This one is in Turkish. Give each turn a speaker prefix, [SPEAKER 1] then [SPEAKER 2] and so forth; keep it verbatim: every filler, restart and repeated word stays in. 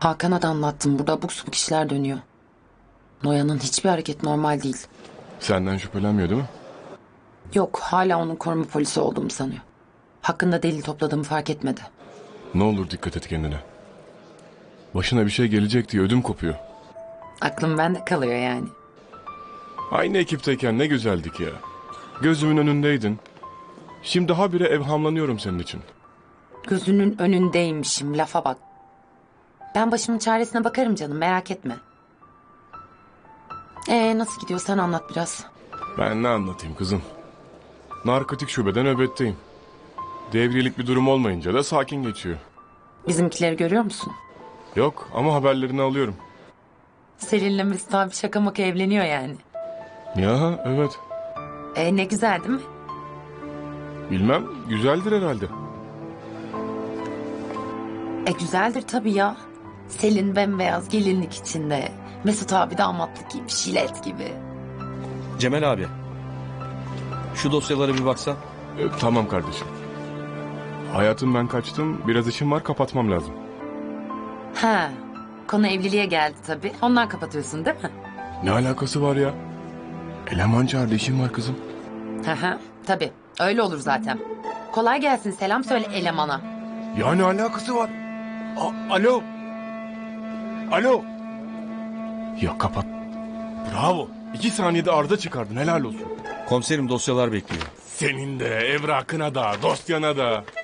[SPEAKER 1] Hakan'a da anlattım. Burada abuk subuk işler dönüyor. Noyan'ın hiçbir hareket normal değil.
[SPEAKER 2] Senden şüphelenmiyor değil mi?
[SPEAKER 1] Yok, hala onun koruma polisi olduğumu sanıyor. Hakkında delil topladığımı fark etmedi.
[SPEAKER 2] Ne olur dikkat et kendine. Başına bir şey gelecek diye ödüm kopuyor.
[SPEAKER 1] Aklım bende kalıyor yani.
[SPEAKER 2] Aynı ekipteyken ne güzeldik ya. Gözümün önündeydin. Şimdi habire evhamlanıyorum senin için.
[SPEAKER 1] Gözünün önündeymişim, lafa bak. Ben başımın çaresine bakarım canım, merak etme. Ee nasıl gidiyor, sen anlat biraz.
[SPEAKER 2] Ben ne anlatayım kızım? Narkotik şubede nöbetteyim. Devriyelik bir durum olmayınca da sakin geçiyor.
[SPEAKER 1] Bizimkileri görüyor musun?
[SPEAKER 2] Yok ama haberlerini alıyorum.
[SPEAKER 1] Selin'le Mesut abi şaka maka evleniyor yani.
[SPEAKER 2] Ya evet.
[SPEAKER 1] Ee ne güzel değil mi?
[SPEAKER 2] Bilmem, güzeldir herhalde.
[SPEAKER 1] E güzeldir tabii ya. Selin bembeyaz gelinlik içinde. Mesut abi damatlık giymiş, jilet gibi.
[SPEAKER 3] Cemal abi. Şu dosyalara bir baksan.
[SPEAKER 2] E, tamam kardeşim. Hayatım ben kaçtım. Biraz işim var, kapatmam lazım.
[SPEAKER 1] Ha, konu evliliğe geldi tabii. Ondan kapatıyorsun değil mi?
[SPEAKER 2] Ne alakası var ya? Eleman çağırdı, işim var kızım.
[SPEAKER 1] Hı hı, tabii. Öyle olur zaten. Kolay gelsin, selam söyle elemana.
[SPEAKER 2] Ya ne alakası var? A- Alo. Alo. Ya kapat. Bravo. İki saniyede arıza çıkardın, helal olsun.
[SPEAKER 3] Komiserim dosyalar bekliyor.
[SPEAKER 2] Senin de, evrakına da, dosyana da.